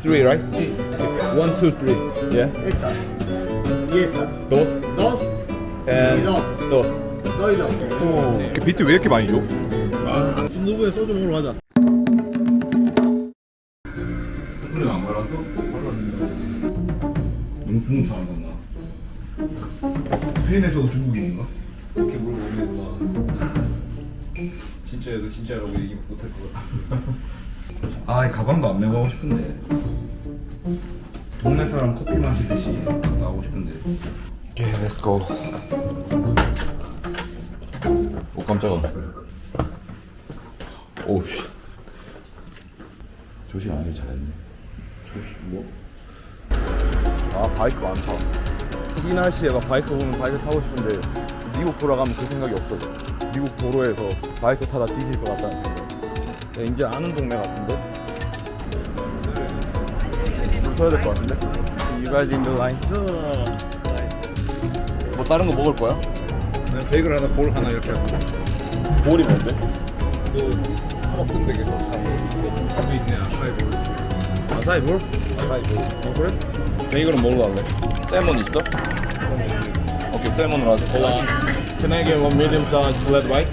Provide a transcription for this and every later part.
three, right? Sí. 1, 2, 3. Yeah. Esta. Y esta. Dos Dos. and dos. dos. Dos y dos. 비트 왜 이렇게 많이 줘? 순두부에 소주 먹으러 가자. 소리 안 발랐어? 너무 중국 사람 같나? 스페인에서도 중국인인가? 이렇게 물어보면 와. 진짜여도 진짜라고 얘기 못할 것 같아. 아, 이 가방도 안 메고 하고 싶은데. 동네 사람 커피 마시듯이 나가고 싶은데. 오케이, 렛츠 고. 오, 깜짝아. 오우, 씨. 조식 안 하길 잘했네. 조식 뭐? 아, 바이크 많다. 이 날씨에 막 바이크 보면 바이크 타고 싶은데 미국 돌아가면 그 생각이 없어져. 미국 도로에서 바이크 타다 뒤질 것 같다는 생각. 야, 이제 아는 동네 같은데? 줄 서야 될 것 같은데? You guys in the line? 뭐 다른 거 먹을 거야? 그냥 베이글 하나, 볼 하나 이렇게 하고. 볼이 뭔데? 그 먹던 댁에서 사는 밥이 있네. 아사이 볼. 아사이 볼? 아사이 볼. 어, 그래? 베이글은 뭘로 할래? 세몬 있어? 오케이, 세몬으로 하자. Can I get one medium size flat white?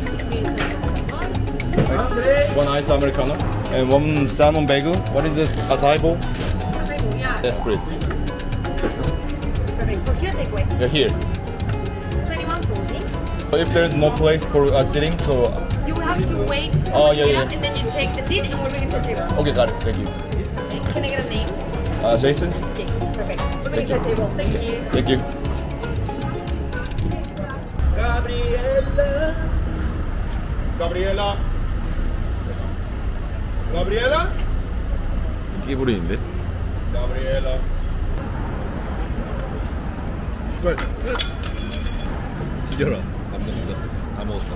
One ice americano and one salmon bagel. What is this? Acai bowl? Yes, please. Perfect. For here, takeaway. You're here. 2140. If there's no place for sitting, so You will have to wait for Oh, someone yeah, to get yeah. up, and then you take the seat, and we'll bring it to the table. okay, got it. Thank you. Okay. Can I get a name? Jason. Jason. Perfect. We'll bring it to the table. Thank you. Thank you. Gabriela. Gabriela. 끼부리인데? Gabriela. 씨발. 뒤져라. 안 먹는다. 다 먹었다.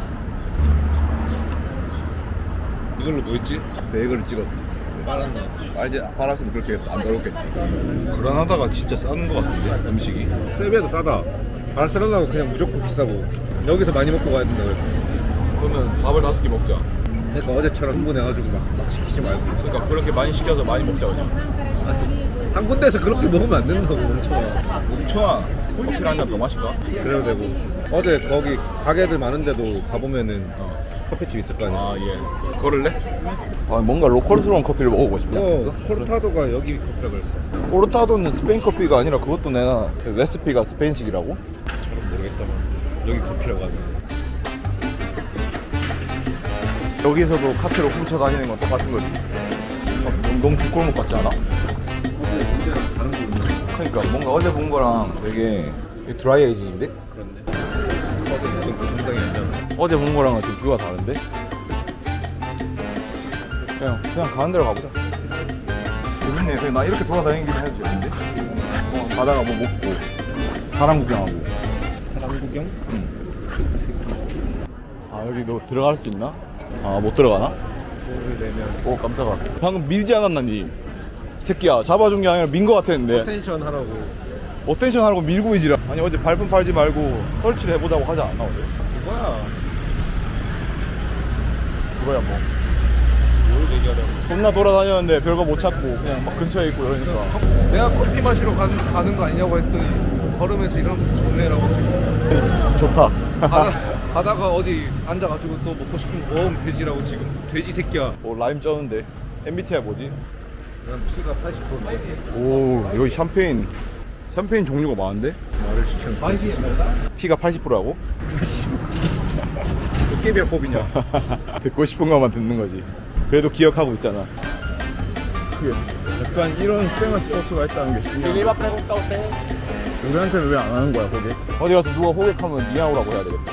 이걸로 뭐 했지? 베이글을 찍었지. 빨았나? 아, 이제 팔았으면 그렇게 안 더럽겠지. 그라나다가 진짜 싼 거 같은데 음식이. 세배도 싸다. 바르셀로나가 그냥 무조건 비싸고 여기서 많이 먹고 가야 된다 그랬어. 그러면 밥을 5개 먹자. 그러니까 어제처럼 흥분해가지고 막 시키지 말고. 그러니까 그렇게 많이 시켜서 많이 먹자 그냥. 한 군데에서 그렇게 먹으면 안 된다고 멈춰. 뭉쳐와 커피를 한 잔 더 마실까? 그래도 되고. 어제 거기 가게들 많은데도 가보면은 커피집 있을 거 아니야. 아 예. 걸을래? 아 뭔가 로컬스러운 커피를 먹어보고 싶지 않겠어? 코르타도가 여기 커피라 그랬어. 오르타도는 스페인 커피가 아니라 그것도 내가 그 레시피가 스페인식이라고? 잘은 모르겠다만 여기 커피라고 하네. 여기서도 카트로 훔쳐 다니는 건 똑같은 거지. 너무 뒷골목 같지 않아? 다른 거 있나? 그러니까 뭔가 어제 본 거랑 되게 드라이 에이징인데? 그렇네. 어제 그 상당히 안 잖아. 어제 본 거랑은 좀 뷰가 다른데? 그냥 가는 대로 가보자. 재밌네. 그냥 나 이렇게 돌아다니긴 해도 재밌는데? 가다가 뭐 먹고 사람 구경하고. 사람 구경? 아 여기 너 들어갈 수 있나? 아 못 들어가나? 돈을 내면 오 깜짝아. 방금 밀지 않았나 니? 새끼야 잡아준 게 아니라 민 거 같았는데 텐션 하라고. 어텐션 하라고 밀고 이지라. 아니 어제 발품 팔지 말고 설치를 해보자고 하지 않나 어제? 그거야. 그거야 뭐. 뭘 얘기하려고. 겁나 돌아다녔는데 별거 못 찾고 그냥 막 근처에 있고 이러니까. 내가 커피 마시러 가는 거 아니냐고 했더니 걸으면서 이런 것도 좋네라고 지금. 좋다. 가다가 어디 앉아가지고 또 먹고 싶은 거 먹으면 돼지라고 지금. 돼지 새끼야. 오 라임 쩌는데 MBTI 뭐지? 난 피가 80%인데 오 여기 샴페인 종류가 많은데? 말을 시켰는데. 맛이 피가 80%라고? 도깨비야법이냐? 듣고 싶은 것만 듣는 거지. 그래도 기억하고 있잖아. 약간 이런 쌩한 스포츠가 있다는 게 신기하다. 우리한테는 왜 안 하는 거야 거기? 어디 가서 누가 호객하면 니아오라고 해야 되겠다.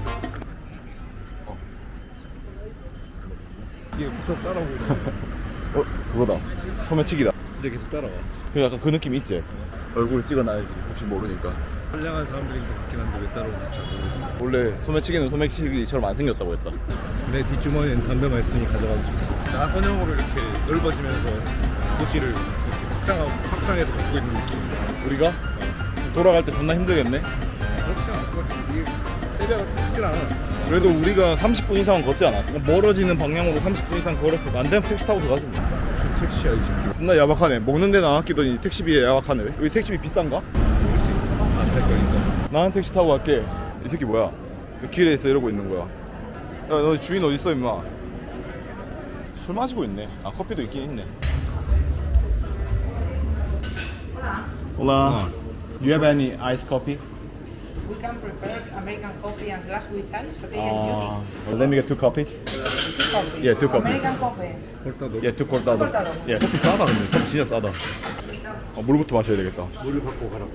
이게 붙어서 따라오고 있는 어? 그거다. 소매치기다. 진짜 계속 따라와. 그 약간 그 느낌 있지? 얼굴 찍어놔야지 혹시 모르니까. 선량한 사람들인 것 같긴 한데 왜 따라오는지 잘 모르겠어. 원래 소매치기는 소매치기처럼 안 생겼다고 했다. 내 뒷주머니엔 담배만 있으니 가져가면 좋지. 나선형으로 이렇게 넓어지면서 도시를 이렇게 확장해서 걷고 있는 느낌. 우리가? 돌아갈 때 존나 힘들겠네? 그렇지 않을 것 같아. 이게 세배가 확실 않아. 그래도 우리가 30분 이상은 걷지 않았어? 멀어지는 방향으로 30분 이상 걸었어. 안 되면 택시 타고 들어가지 뭐. 택시야 20km. 존나 야박하네. 먹는 데는 안 아끼더니 택시비에 야박하네. 여기 택시비 비싼가? 모르겠지. 안탈 거니까. 나는 택시 타고 갈게. 이 새끼 뭐야? 왜 길에 있어 이러고 있는 거야? 야, 너 주인 어디 있어 임마? 술 마시고 있네. 아 커피도 있긴 있네. Hola. Do you have any iced coffee? We can prepare American coffee and glass with ice, okay? And Let me get 2 coffees. juice. Coffee. Yeah, 2 coffee. American coffee. 홀따도. Yeah, 2 cortado. cortado. Yeah, 커피 싸다 근데. 커피 진짜 싸다. 물부터 마셔야 되겠다. 물을 갖고 가라고.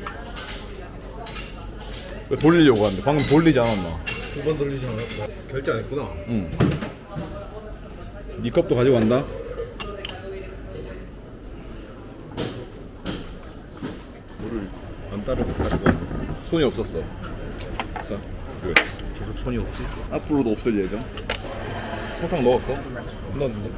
왜 돌리려고 하는데? 방금 돌리지 않았나? 2번 돌리지 않았고. 결제 안 했구나. 응. 네 컵도 가져간다. 물을 안 따르고 가지고. 손이 없었어. 자, 그렇지. 계속 손이 없지. 앞으로도 없을 예정. 설탕 넣었어? 넣었는데.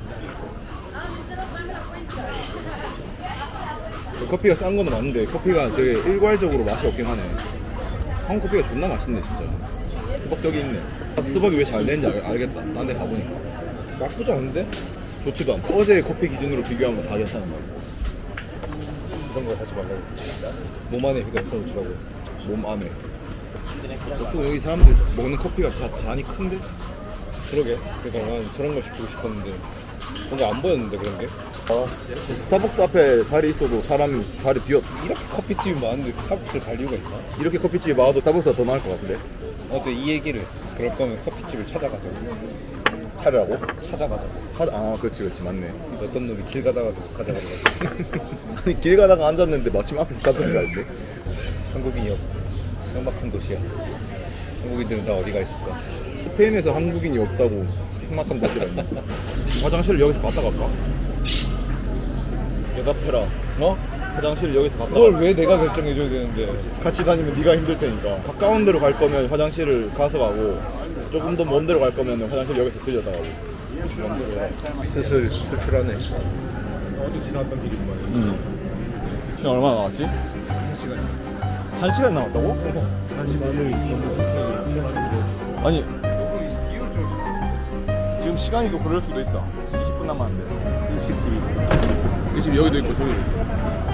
커피가 싼 거는 맞는데 커피가 되게 일괄적으로 맛이 없긴 하네. 한국 커피가 존나 맛있네 진짜. 수박적이 있네. 수박이 왜 잘 되는지 알겠다. 딴 데 가보니까 나쁘지 않은데? 좋지도 않고 어제 커피 기준으로 비교하면 다 괜찮은 거야. 그런 거 하지 말라고. 몸 안에 휴대폰 주라고. 몸 안에. 보통 여기 사람들 먹는 커피가 다 잔이 큰데? 그러게. 그러니까 난 저런 걸 시키고 싶었는데 뭔가 안 보였는데 그런 게. 스타벅스 앞에 자리 있어도 사람이 자리 비었. 이렇게 커피집이 많은데 스타벅스를 갈 이유가 있나? 이렇게 커피집이 많아도 스타벅스가 더 나을 것 같은데? 어제 이 얘기를 했어. 그럴 거면 커피집을 찾아가자고. 차려라고? 찾아가자고. 아 그렇지 맞네. 어떤 놈이 길 가다가 계속 가져가는 아니 길 가다가 앉았는데 마침 앞에 스타벅스가 있는데? 한국인이 없고 삭막한 도시야. 한국인들은 다 어디가 있을까? 스페인에서 한국인이 없다고 생각한 도시가 있네. 화장실을 여기서 갔다 갈까? 대답해라. 어? 화장실을 여기서 갔다 그걸 갈까? 왜 내가 결정해줘야 되는데? 같이 다니면 네가 힘들 테니까. 가까운 데로 갈 거면 화장실을 가서 가고 조금 더 먼 데로 갈 거면 화장실 여기서 들렸다 가고. 슬슬 수출하네. 어제 지나왔던 길이구만. 시간 얼마나 남았지? 1시간 남았다고? 한시간을 너무 아니 지금 시간이 또 그럴 수도 있다. 20분 남았는데 일식집이. 지금 여기도 있고 저기도 있고.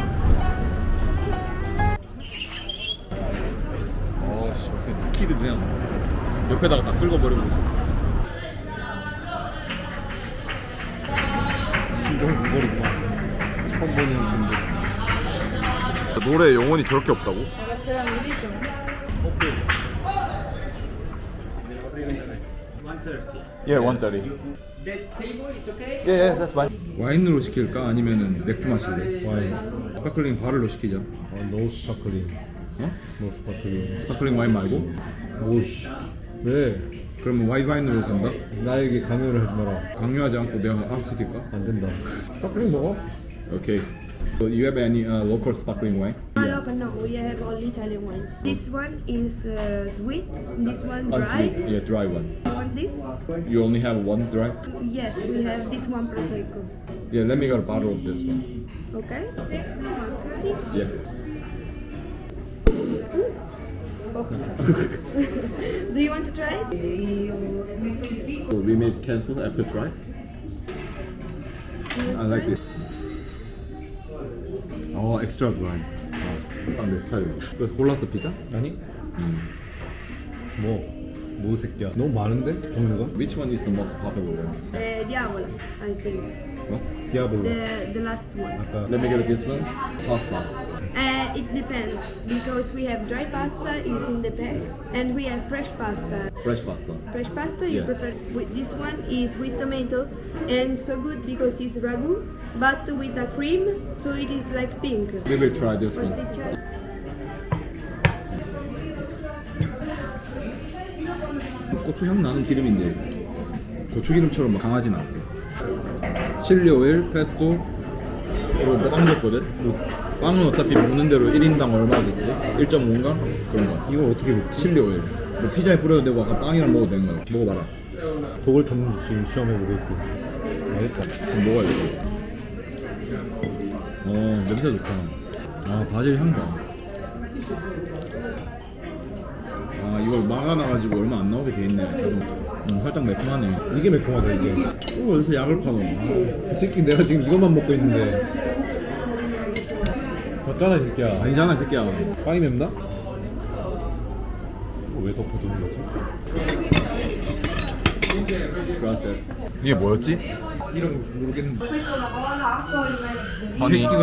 어씨 스키드 그냥 옆에다가 다 끌어버리고. 심정이 무거리구만. 처음 보는 분들. 노래 영혼이 저렇게 없다고? Yeah, 130. Yeah, that's fine. 와인으로 시킬까? 아니면은 맥주 마실래? 와인. 스파클링 바를로 시키자. 노 스파클링. 어? 노 스파클링. 스파클링 와인 말고? 오씨. 왜? 그러면 화이트 와인으로 간다? 나에게 강요를 하지 마라. 강요하지 않고 내가 알아서 시킬까? 안 된다. 스파클링 먹어? Okay. So you have any local sparkling wine? Local, no, we have only Italian wines. This one is sweet, this one dry. Unsweet. Yeah, dry one. You want this? You only have one dry? Yes, we have this one prosecco. Yeah, let me get a bottle of this one. Okay? Yeah. Oops. Do you want to try it? So we may cancel after try. I like this. 어, extra dry. 아, 내 스타일이야. 그래서 골랐어 피자? 아니? 뭐 새끼야. 너무 많은데? 종류가? Which one is the most popular one? Diavolo, I think. 뭐? 디아블로. The last one. 아까 Let me get this one. Pasta. It depends because we have dry pasta is in the pack and we have fresh pasta. Fresh pasta. Fresh pasta you Yeah. prefer. With this one is with tomato and so good because it's ragu, but with a cream, so it is like pink. We will try this one. Pasticcio. 고추 향 나는 기름인데 고추 기름처럼 막 강하진 않대. 칠리 오일, 페스토, 그리고 빵 줬거든. 빵은 어차피 먹는 대로 1인당 얼마겠지? 1.5인가? 그런 거. 이걸 어떻게 먹지? 칠리 오일. 뭐 피자에 뿌려도 되고 아까 빵이랑 먹어도 되는 거야. 먹어봐라. 독을 탔는지 지금 시험해보겠고. 알겠다. 그럼 먹어야 돼. 냄새 좋다. 아, 바질 향 봐. 아, 이걸 막아놔가지고 얼마 안 나오게 돼 있네. 자동. 살짝 매콤하네. 이게 매콤하다 이게. 이거 어디서 약을 파노? 이 새끼 내가 지금 이것만 먹고 있는데 맞잖아 이 새끼야. 아니잖아 새끼야. 빵이 맵나? 왜 덮어두는 거지? 그라스. 이게 뭐였지? 이런 거 모르겠는데. 아니 새끼가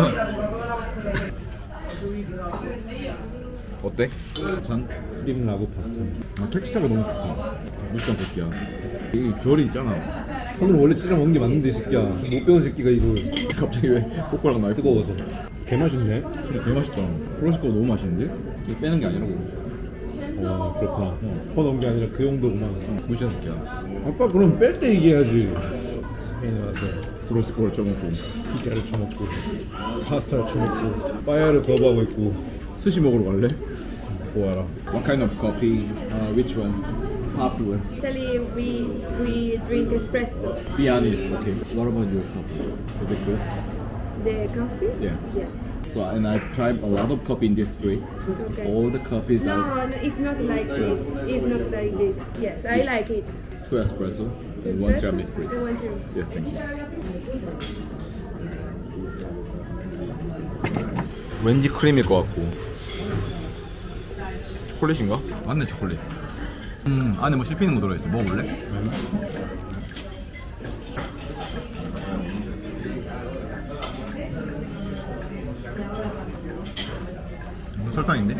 어때? 전 크림 라구 파스타. 아, 텍스처가 너무 좋다. 무슨 새끼야. 이 결이 있잖아. 손으로 원래 찢어 먹는 게 맞는데 이 새끼야. 못 배운 새끼가 이거 갑자기 왜 꼬꼬랑 날 뜨거워서. 개 맛있네. 근데 개 맛있다. 프로시코가 너무 맛있는데? 이거 빼는 게 아니라고. 와 그렇구나. 퍼 넣은 게 아니라 그 정도구만. 무시한 새끼야. 아빠 그럼 뺄 때 얘기해야지. 스페인에 와서 프로시코를 쳐먹고. 피자를 쳐먹고 파스타를 쳐먹고 빠야를 거부하고 있고. 스시 먹으러 갈래? 보아라. What kind of coffee? Which one? Popular. Actually, we drink espresso. Be honest, okay. What about your coffee? Is it good? The coffee? Yeah. Yes. So, and I've tried a lot of coffee in this street. Okay. All the coffees are No, it's not like this. It's not like this. Yes, I like it. 2 espresso and 1 Espresso tiramisu, please. and one tiramisu. Yes, thank you. 왠지 크림일 것 같고. 초콜릿인가? 맞네 초콜릿. 안에 뭐 씹히는 거 들어있어. 먹어볼래? 설탕인데?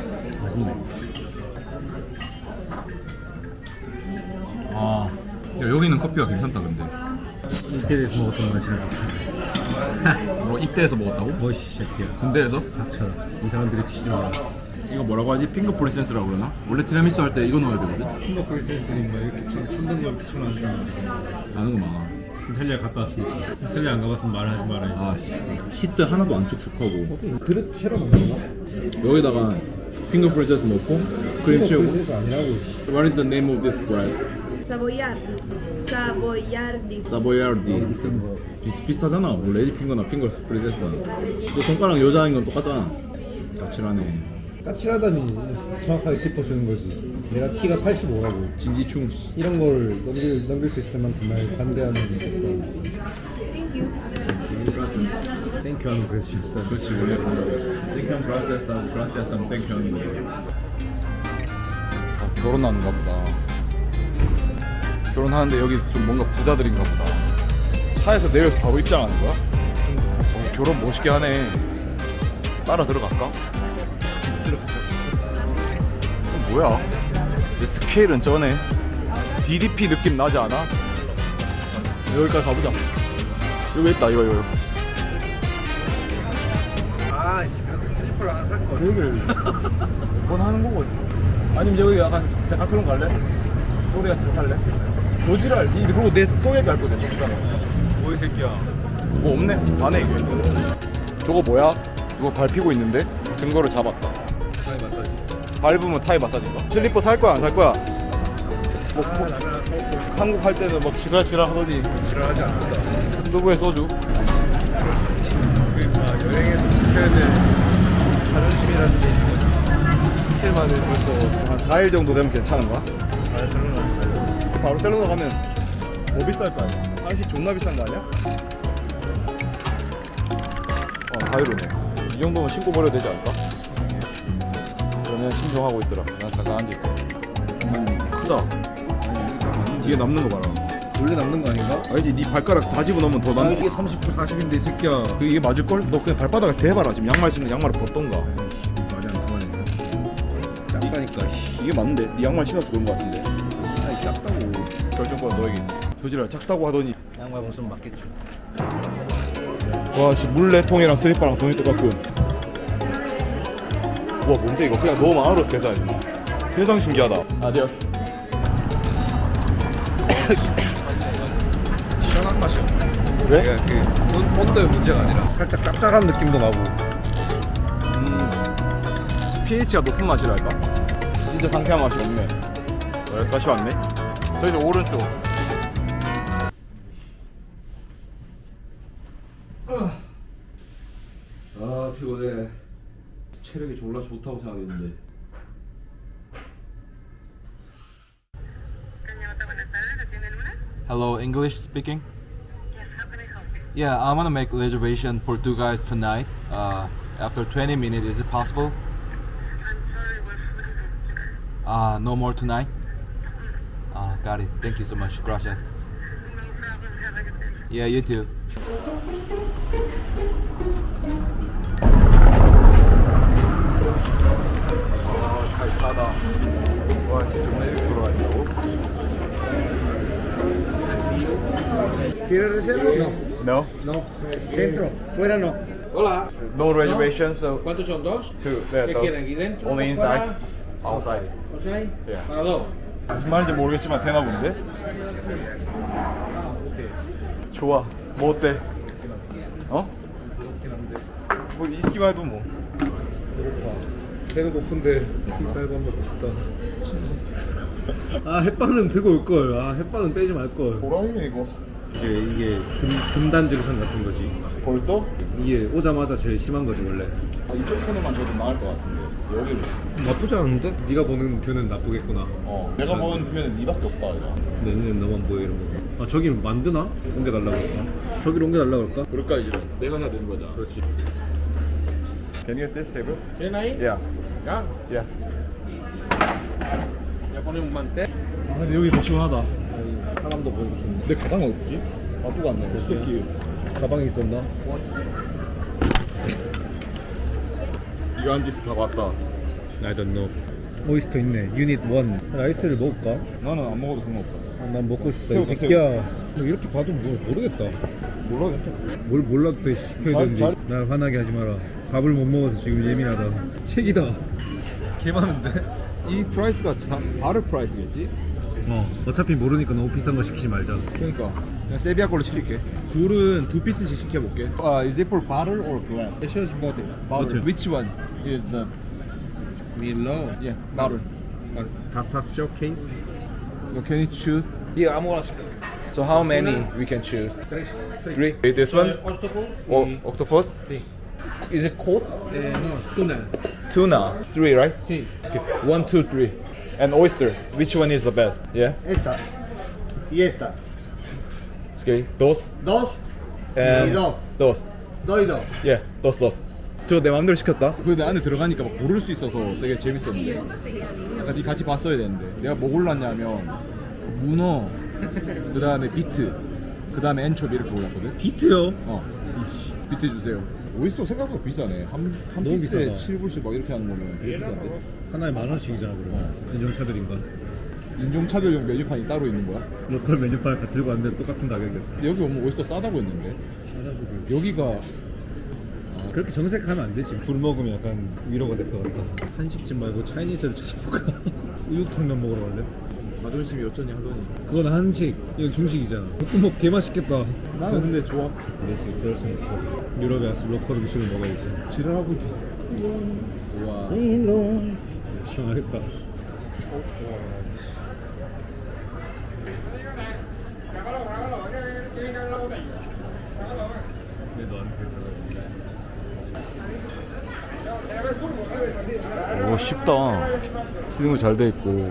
아, 야, 여기는 커피가 괜찮다 근데. 이태리에서 먹었던 맛이랑 비슷한데. 뭐 입대에서 먹었다고? 뭐이 새끼야. 군대에서? 닥쳐. 이 사람들이 튀지 마라. 이거 뭐라고 하지? 핑거 프린세스라고 그러나? 원래 티라미수 할 때 이거 넣어야 되거든? 킹거 프리센스님 막 이렇게 천든 거 이렇게 쳐놓은 사람. 아는 거 많아. 이탈리아 갔다 왔으니까. 이탈리아 안 가봤으면 말하지 말아야지. 아, 씨. 시트 하나도 안 축축하고. 그릇 채로 먹는 거? 여기다가 핑거 프린세스 넣고 크림 채우고. 프린세스 아니라고. What is the name of this bread? Savoyardi. Savoyardi. 사보야르디. 비슷비슷하잖아. 뭐 레디 핑거나 핑거 프린세스나. 또 손가락 여자인 건 똑같잖아. 까칠하네. 까칠하다니 정확하게 짚어주는 거지. 내가 키가 85라고. 진지충. 이런 걸 넘길 수 있을 만큼 날 반대하는 게 Thank you. 땡큐 하는 그릇이 있어. 그렇지 원래 땡큐 브라시아산 브라시아산 땡큐 하는 거. 결혼하는가 보다. 결혼하는데 여기 좀 뭔가 부자들인가 보다. 차에서 내려서 바로 입장하는 거야? 결혼 멋있게 하네. 따라 들어갈까? 뭐야? 이 스케일은 쩌네. DDP 느낌 나지 않아? 여기까지 가보자. 여기 있다 이거. 아, 슬리퍼를 하나 살 거. 여기를 몇 번 하는 거거든. 아니면 여기 약간 데카트론 갈래? 소리 같은 거 할래? 조지랄. 그리고 내 또 얘기할 거든. 뭐이 새끼야. 뭐 없네. 안해 이게. 저거 뭐야? 이거 밟히고 있는데? 증거를 잡았다. 타이 마사지. 밟으면 타이 마사지인가? 슬리퍼 살 거야 안 살 거야? 뭐, 나는 한국 할 때는 막 지랄지랄 하더니 지랄하지 않는다. 누구의 소주? 그러니까 여행에서 지켜야 될 자존심이라는 게 있는 거지. 이틀 만에 벌써 한 4일 정도 되면 괜찮은가? 바르셀로나 살려. 바르셀로나 가면 더 비쌀 거 아니야? 한식 존나 비싼 거 아니야? 4유로네. 이 정도면 신고 버려도 되지 않을까? 그러면 신청하고 있으라. 난 잠깐 앉을 거야. 크다. 뒤에 남는 거 봐라. 원래 남는 거 아닌가? 알지? 네 발가락 다 집어넣으면 더 남는 이게 30분 40인데 이 새끼야. 이게 맞을걸? 너 그냥 발바닥에 대봐라. 지금 양말 신는 양말을 벗던가. 말이 안 통하네. 작다니까. 이게 맞는데? 네 양말 신어서 그런 거 같은데. 아니 작다고. 결정권은 너에게있지. 조지랄 작다고 하더니 양말 벗으면 맞겠죠. 와 씨 물레통이랑 슬리퍼랑 돈이 똑같군. 와 뭔데 이거 그냥 너무 안으로서 계산해. 세상 신기하다. 아디오스. 시원한 맛이야. 왜? 그 온도의 문제가 아니라 살짝 짭짤한 느낌도 나고. pH가 높은 맛이랄까? 진짜 상쾌한 맛이 없네. 여기까지 왔네. 저기서 오른쪽. 아 피곤해. 체력이 졸라 좋다고 생각했는데. Cañota, buenas tardes, atiende Hello, English speaking? Yeah, I want to make reservation for 2 guys tonight. After 20 minutes, is it possible? No more tonight? Got it. Thank you so much. Gracias. Yeah, you too. 잘 타다. 와, 진짜 정말 이렇게 돌아가냐고? ¿Quieres reserva o no? No? No. Dentro. Fuera no. Hola. No reservation, so ¿Cuántos son? ¿Dos? two. Yeah, ¿Qué those. quieren? ¿Aquí dentro? Only inside. Outside. ¿Outside? Yeah. Para dos. 무슨 말인지 모르겠지만 되나 본데? 좋아. 뭐 어때? 어? 뭐 있기만 해도 뭐. 배는 고픈데 쌀밥 먹고 싶다. 아 햇반은 들고 올 걸. 아 햇반은 빼지 말 걸. 도라이네 이거. 이제 이게 금단 증상 같은 거지. 벌써? 이게 오자마자 제일 심한 거지 원래. 이쪽 코너만 줘도 나을 것 같은데. 여기로. 나쁘지 않은데? 네가 보는 뷰는 나쁘겠구나. 내가 보는 뷰에는 니밖에 없다 이거. 내 눈엔 너만 보여 이런 거. 아 저기 만드나? 옮겨달라고 할까? 저기로 옮겨달라고 할까? 그럴까 이제 내가 해야 되는 거잖아. 그렇지. Can you get this table? ¿Quién ahí? Yeah. Ya. Yeah. Ya ponemos un mantel. 아 근데 여기 더 시원하다. 사람도 보이고 좋네. 내 가방 어디지? 아 또 갔네. 이 새끼. 가방에 있었나? 이거 한 짓 다 봤다. I don't know. 오이스터 있네. 유닛 1. 라이스를 먹을까? 나는 안 먹어도 상관없다. 아, 난 먹고 싶다. 새우, 이 새끼야. 너 이렇게 봐도 뭐 모르겠다. 몰라겠다. 뭘 몰라도 돼. 시켜야 잘- 되는지. 잘- 날 화나게 하지 마라. 밥을 못 먹어서 지금 예민하다. 책이다. 개 많은데? 이 프라이스가 바르 프라이스겠지? 어차피 모르니까 너무 비싼 거 시키지 말자. 그러니까 그냥 세비야 걸로 시킬게. 둘은 두 피스씩 시켜볼게. Is it for butter or glass? It shows body. Butter. Which one is the 밀러. yeah butter? 다타 쇼케이스. Can you choose? 이 아무거나 시켜. So how many we can choose? 3. Three. This one? 오스토프? Octopus? Sí. Is it cold? No, tuna. Tuna. Three, right? Sí. Okay. 1, 2, 3. And oyster. Which one is the best? Yeah. Esta. Y esta. Okay. Dos. Dos. And Y dos. dos. Dos y dos. Yeah. dos. 저 내 맘대로 시켰다. 근데 안에 들어가니까 막 고를 수 있어서 되게 재밌었는데. 약간 이 같이 봤어야 되는데. 내가 뭐 골랐냐면 문어, 그 다음에 비트, 그 다음에 엔초비 이렇게 골랐거든. 비트요? 비트 주세요. 오이스터 생각보다 비싸네. 한 너무 피스에 비싸다. 7불씩 막 이렇게 하는 거면 되게 비싼데. 하나에 10,000원씩이잖아 그러면. 인종차들인가? 인종차별용 메뉴판이 따로 있는 거야? 로컬 메뉴판을 다 들고 왔는데 똑같은 가격이야. 여기 오면 오이스터 싸다고 했는데. 여기가 그렇게 정색하면 안 되지. 굴 먹으면 약간 위로가 될 것 같다. 한식집 말고 차이니즈를 찾아볼까? 우육탕면 먹으러 갈래? 자존심이 어쩌니 하더니. 그건 한식, 이건 중식이잖아. 볶음밥 개 맛있겠다. 나는 근데 좋아. 그렇지, 그럴 순 없어. 유럽에 와서 로컬 음식을 먹어야지. 지랄하고 있지. 우와. 시원하겠다. 왜 너한테 오 쉽다. 쓰는 거 잘 돼 있고.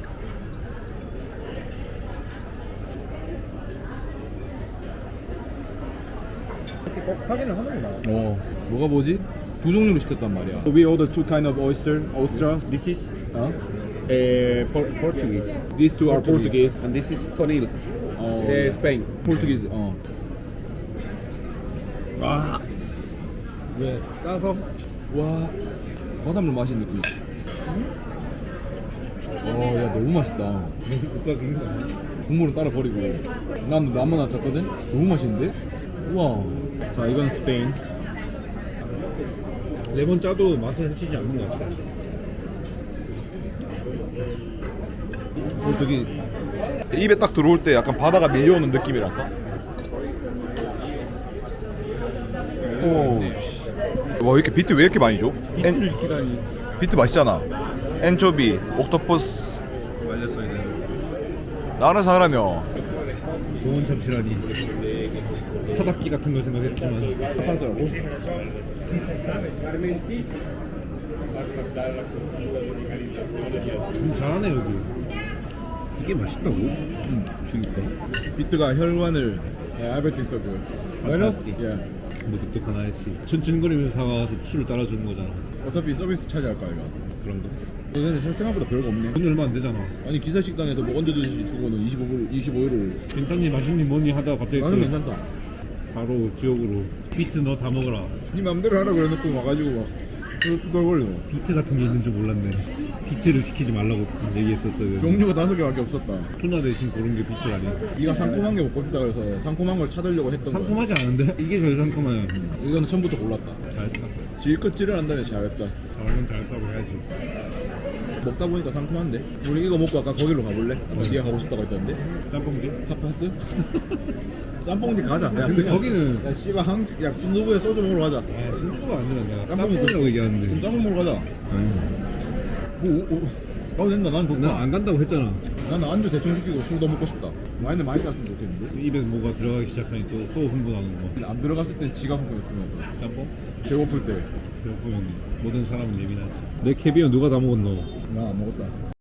이렇게 꼭 확인을 하는구나. 뭐가 뭐지? 두 종류로 시켰단 말이야. We order two kind of oyster. This is Portuguese. These two are Portuguese. And this is conil. Spain. Portuguese. 와, 왜 짜서? 와, 바닷물 마신 느낌. 야 너무 맛있다. 국가긴 거. 국물은 따로 버리고. 난 라면 하나 잤거든. 너무 맛있는데? 우와. 자, 이건 스페인. 레몬 짜도 맛은 해치지 않는 것 같아. 포르투기스. 입에 딱 들어올 때 약간 바다가 밀려오는 느낌이랄까? 오. 와, 이렇게 비트 왜 이렇게 많이 줘? 비트를 시키다니. 비트 맛있잖아. 엔초비, 옥토퍼스. 말렸어야 되는. 나라 사람이요. 동원 참치라니. 타닥기 같은 걸 생각했지만. 하더라고. 잘하네 여기. 이게 맛있다고? 죽일까? 비트가 혈관을 알베르트 있어 그. 판타스틱. 예. 뭐 독특한 아저씨 천천거리면서 사와서 술을 따라주는 거잖아. 어차피 서비스 차지할 거야 이거. 그런 거. 근데 생각보다 별거 없네. 돈 얼마 안 되잖아. 아니 기사 식당에서 뭐 언제든지 주고는 25유로. 괜찮니 맛있니 뭐니 하다가 갑자기 나는 또 괜찮다. 바로 지역으로 비트 너 다 먹어라. 네 맘대로 하라 그래놓고 와가지고 막 걸걸려. 비트 같은 게 있는 줄 몰랐네. 비트를 시키지 말라고 얘기했었어요. 종류가 5개밖에 없었다. 투나 대신 고른 게 비트 아니야. 네가 상콤한 게 먹고 싶다 그래서 상콤한 걸 찾으려고 했던 거야. 상큼하지 않은데? 이게 제일 상큼해. 이거는 처음부터 골랐다. 잘했다. 질것 찌르한다면 잘했다. 잘하면 잘했다고 해야지. 먹다 보니까 상큼한데. 우리 이거 먹고 아까 거기로 가볼래? 아까 네가 가고 싶다고 했던데. 짬뽕집? 타파스? 짬뽕집 가자. 야, 근데 그냥, 거기는- 야 씨발 야 순두부에 소주 먹으러 가자. 아 순두부가 아니라 내가 짬뽕이 짬뽕이라고 그럼 얘기하는데. 짬뽕 먹으러 가자. 아니 가도 된다. 난 좋다. 나 안 간다고 했잖아. 나는 안주 대충 시키고 술 더 먹고 싶다. 와인을 많이 땄으면 좋겠는데. 입에 뭐가 들어가기 시작하니 또 흥분하는 거. 안 들어갔을 땐 지가 흥분했으면서. 짬뽕? 배고플 때. 배고프면 모든 사람은 예민하지. 내 캐비어 누가 다 먹었노? 나 안 먹었다.